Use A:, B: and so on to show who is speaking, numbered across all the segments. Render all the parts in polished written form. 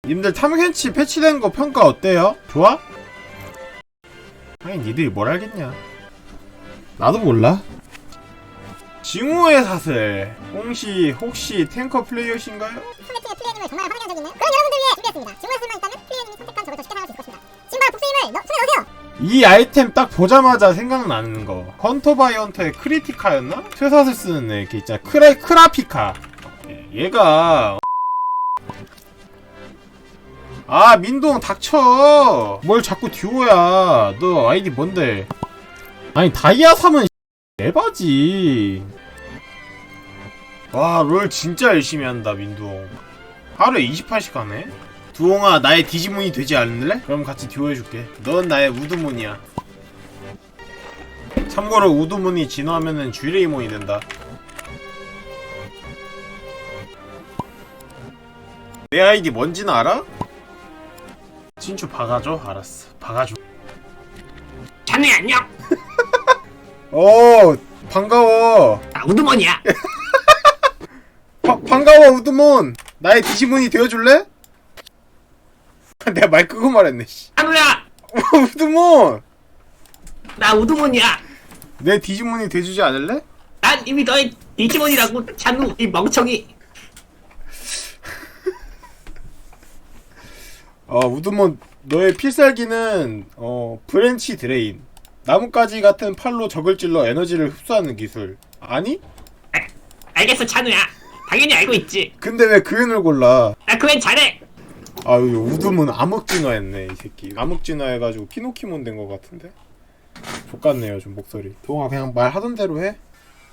A: 님들 탐켄치 패치된 거 평가 어때요? 좋아? 아니 니들이 뭘 알겠냐. 나도 몰라. 징후의 사슬 혹시 탱커 플레이어신가요?
B: 상대팀의 플레이님을 정말 환영한 적이 있는 그런 여러분들 위해 준비했습니다. 징후의 사슬만 있다면 플레이님이 선택한 적을 더 쉽게 사용할 수 있을 것입니다. 지금 바로 복수님을 손에 넣으세요. 이
A: 아이템 딱 보자마자 생각나는 거 헌터 바이 헌터의 크리티카였나? 쇠사슬 쓰는 애 걔 있잖아. 크라피카. 얘가 아 민동 닥쳐. 뭘 자꾸 듀오야. 너 아이디 뭔데? 아니 다이아 3은 에바지. 와 롤 진짜 열심히 한다 민동. 하루에 28씩 하네. 두홍아 나의 디지몬이 되지 않을래? 그럼 같이 듀오 해줄게. 넌 나의 우드몬이야. 참고로 우드몬이 진화하면은 쥐레이몬이 된다. 내 아이디 뭔지는 알아? 친추 박아줘? 알았어 박아줘.
C: 자네 안녕.
A: 반가워.
C: 나 우드먼이야.
A: 반가워 우드몬. 나의 디지몬이 되어줄래? 내가 말 끄고 말했네 씨.
C: 찬우야.
A: 우드몬.
C: 나 우드먼이야.
A: 내 디지몬이 돼주지 않을래?
C: 난 이미 너의 디지몬이라고. 찬우 이 멍청이.
A: 우드몬 너의 필살기는 브랜치 드레인. 나뭇가지 같은 팔로 적을 찔러 에너지를 흡수하는 기술. 아니?
C: 알겠어 찬우야. 당연히 알고 있지.
A: 근데 왜 그앤을 골라?
C: 나 그웬 잘해.
A: 우드몬 암흑진화했네 이 새끼. 암흑진화해가지고 피노키몬 된 것 같은데? 족같네요 좀 목소리. 동아 그냥 말하던 대로 해.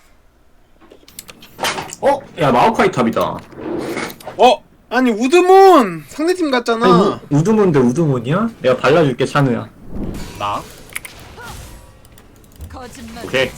D: 야 마오카이 탑이다.
A: 아니 우드몬! 상대팀 같잖아.
D: 아니, 우드몬데 우드몬이야? 내가 발라줄게 찬우야.
A: 나?
D: 오케이.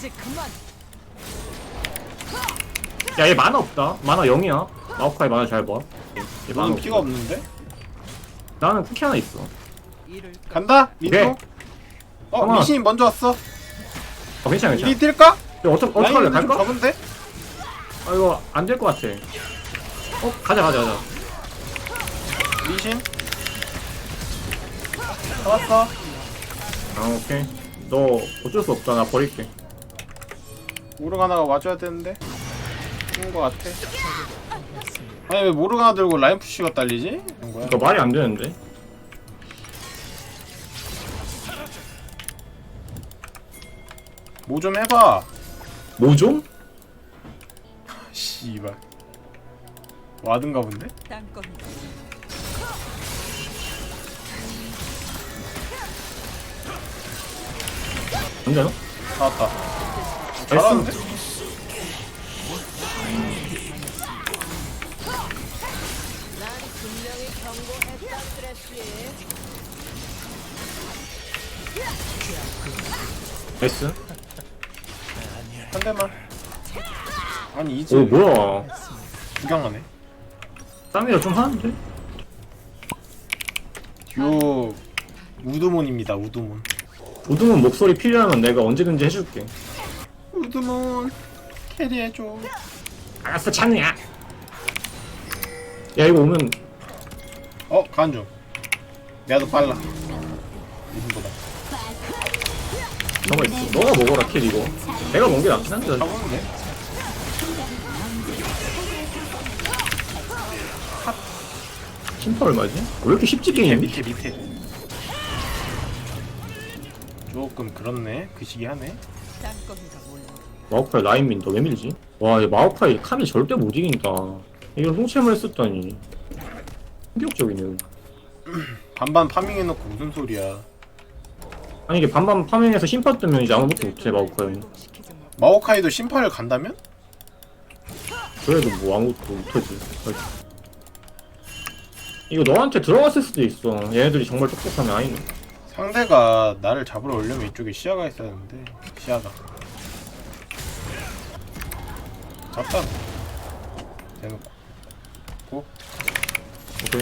D: 야 얘 만화 없다. 만화 0이야. 마오카이 만화 잘 봐. 얘 만화
A: 너는
D: 없어.
A: 피가 없는데?
D: 나는 쿠키 하나 있어.
A: 간다? 민호?
D: 오케이.
A: 미신이 먼저 왔어.
D: 괜찮아 괜찮아.
A: 이리 뛸까?
D: 야, 어떡할래?
A: 라인은 좀
D: 갈까?
A: 적은데?
D: 이거 안 될 것 같아. 가자.
A: 미신? 잡았어.
D: 오케이. 너 어쩔 수 없다. 나 버릴게.
A: 모르가나가 와줘야 되는데? 죽은 거 같아. 아니 왜 모르가나 들고 라인 푸시가 딸리지? 그런 거야?
D: 이거 말이 안 되는데.
A: 뭐 좀 해봐.
D: 뭐 좀?
A: 씨발. 와든가 본데?
D: 안 되나?
A: 나왔다. 잘하는데?
D: 나이스.
A: 한 대만. 아니 이제
D: 오 뭐야?
A: 구경하네.
D: 땀이라 좀 하는데?
A: 듀오 우드몬입니다. 우드몬.
D: 우드몬 목소리 필요하면 내가 언제든지 해줄게.
A: 우드몬 캐리해줘.
D: 알았어 찬우야. 야 이거 오면
A: 간중. 내가 더 빨라. 이분보다.
D: 저거 있어. 너가 먹어라 킬 이거. 내가 먹은 게 낫긴 한데.
A: 잡으면 돼.
D: 심파 얼마지? 왜 이렇게 쉽지 게임이?
A: 밑에. 조금 그렇네. 그 시기 하네.
D: 마오카이 라인민 너 왜 밀지? 와, 얘 마오카이 칸이 절대 못 이긴다. 이걸 홍채물 했었다니. 충격적이네.
A: 반반 파밍해놓고 무슨 소리야.
D: 아니 이게 반반 파밍해서 심파 뜨면 이제 아무것도 못해 마오카이.
A: 마오카이도 심파를 간다면?
D: 그래도 뭐 아무것도 못하지. 이거 너한테 들어갔을 수도 있어. 얘네들이 정말 똑똑하면 아니네.
A: 상대가 나를 잡으러 오려면 이쪽에 시야가 있었는데 시야가 잡다 대놓고 고
D: 오케이.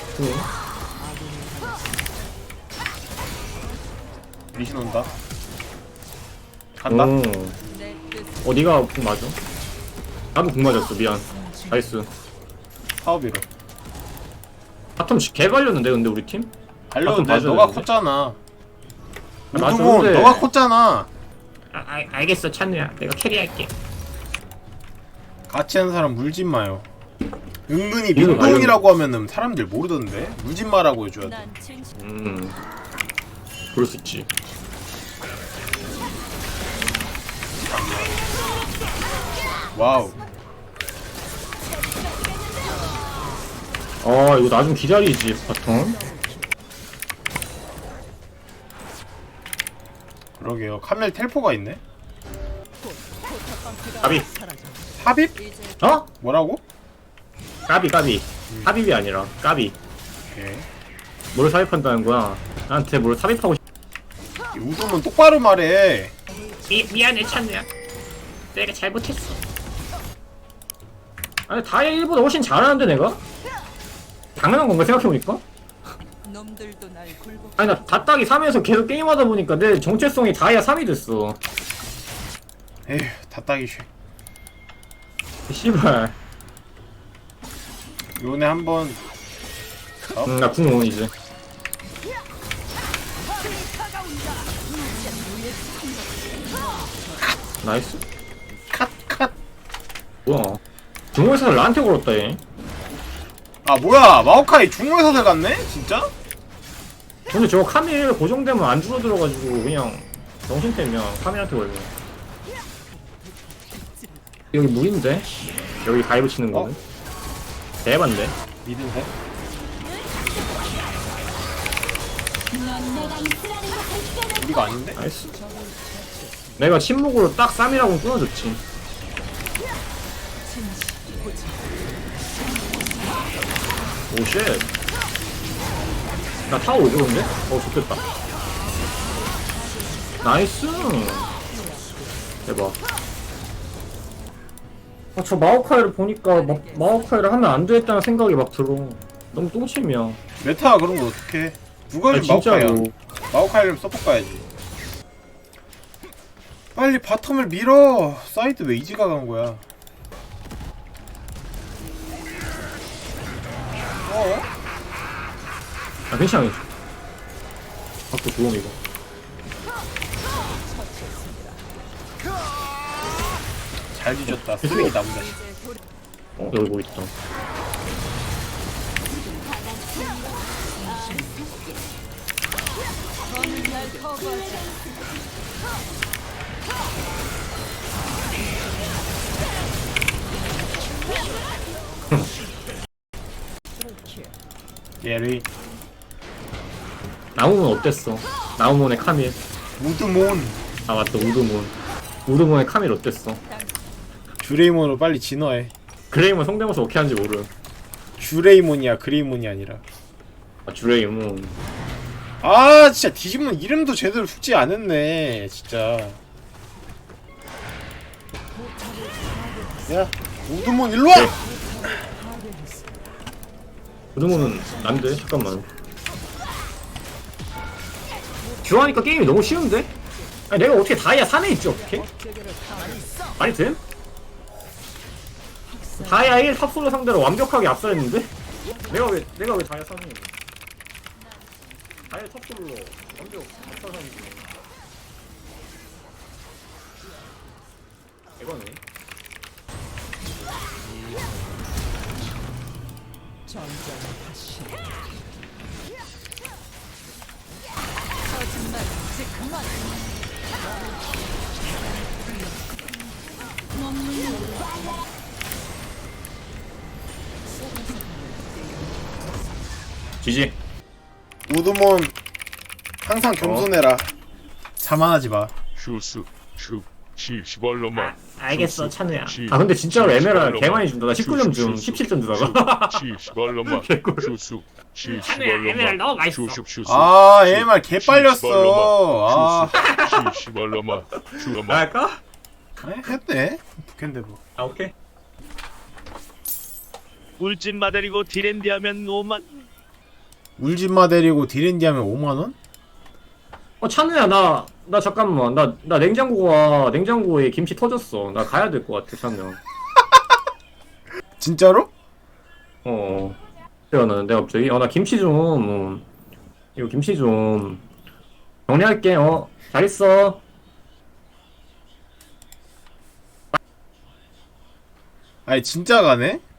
A: 미신 온다 간다.
D: 네가 궁 맞아? 나도 궁 맞았어. 미안. 나이스.
A: 사업이로
D: 바텀 개 갈렸는데 근데 우리 팀?
A: 알려는데
D: 봐줘야
A: 너가
D: 되는데.
A: 컸잖아.
D: 맞아,
A: 우두몬
D: 근데-
A: 너가 컸잖아.
C: 알겠어 찬우야 내가 캐리할게.
A: 같이 하는 사람 물진 마요. 은근히
D: 이거
A: 민동이라고 하면은 사람들 모르던데 물진 마라고 해줘야 돼.
E: 난 진심.
D: 그럴 수 있지.
A: 와우.
D: 아 이거 나 좀 기다리지 바텀.
A: 그러게요. 카멜 텔포가 있네.
D: 까비.
A: 삽입?
D: 어?
A: 뭐라고?
D: 까비. 삽입이 아니라 까비.
A: 오케이.
D: 뭘 삽입한다는 거야? 나한테 뭘 삽입하고 싶...
A: 이 우두몬 똑바로 말해.
C: 미안해 찬우야. 내가 잘못했어.
D: 아니 다이아 1보다 훨씬 잘하는데 내가? 당연한 건가 생각해보니까?
E: 놈들도 날 굴복.
D: 아니 나 다따기 3에서 계속 게임하다 보니까 내 정체성이 다이아 3이 됐어.
A: 에휴 다 따기 쉬.
D: 씨발.
A: 요네 한번.
D: 나 궁은 이제. 나이스.
A: 컷.
D: 뭐야? 중국에서 나한테 걸었다 얘.
A: 아 뭐야 마오카이 중국에서 갔네? 진짜?
D: 근데 저거 카밀 고정되면 안 줄어들어가지고 그냥 정신템이야. 카밀한테 걸려. 여기 무인데? 여기 가위브 치는 거는? 대반데?
A: 미드인데? 우리가 아닌데?
D: 나이스. 내가 침묵으로 딱 쌈이라고 끊어줬지. 오쉣. 나 타워 오죠 근데? 좋겠다. 나이스. 대박. 저 마오카이를 보니까 마오카이를 하면 안 되겠다는 생각이 막 들어. 너무 똥침이야.
A: 메타가 그런 거 어떡해. 누가
D: 아니,
A: 좀 마오카이야.
D: 진짜로.
A: 마오카이를 서포트 가야지. 빨리 바텀을 밀어. 사이드 왜 이지가 간 거야?
D: 아 괜찮아. 갖고 도움 이거.
A: 잘 뒤졌다. 쓰레기 나무 자식.
D: 여기 뭐 있다.
A: 예리.
D: 나무몬 어땠어? 나무몬의 카밀.
A: 우드몬.
D: 아 맞다 우드몬. 우드몬의 카밀 어땠어?
A: 주레이몬으로 빨리 진화해.
D: 그레이몬 성대모사 어떻게 하는지 모르.
A: 주레이몬이야 그레이몬이 아니라.
D: 아 주레이몬.
A: 아 진짜 디지몬 이름도 제대로 숙지 안 했네 진짜. 야 우드몬 일로와.
D: 네. 우드몬은 난데 잠깐만. 듀하니까 게임이 너무 쉬운데? 아니 내가 어떻게 다이아 3에 있지 어떻게? 말이 돼? 다이아 1 탑솔로 상대로 완벽하게 압살했는데? 내가 왜 다이아 3이 다이아 탑솔로 완벽 압살하는데 이거네.
E: 거짓말 이제 그만.
D: 지지.
A: 우드몬 항상 겸손해라. 자만하지 마.
F: 슈스 슈 시시발로마
C: 알겠어 찬우야.
D: 아 근데 진짜로 에메랄 개 많이 준다. 나 19점 줌 17점 주다가.
F: 시시발로마
D: 개꿀.
F: 슈스
C: 찬우야 에메랄 너무 맛있어.
F: 슈슈
A: 아 AMR 개 빨렸어. 아
F: 시시발로마 슈마
D: 할까?
A: 했네. 북캔데 뭐.
D: 아 오케이.
G: 울진마 데리고 디랜디 하면 5만.
A: 울진마 데리고 디랜디 하면 5만원?
D: 찬우야 나 잠깐만 나 냉장고에 김치 터졌어. 나 가야 될 것 같아 찬우야.
A: 진짜로?
D: 어. 태어나는데 갑자기 나 김치 좀 이거 김치 좀 정리할게. 잘 있어.
A: 아니 진짜 가네?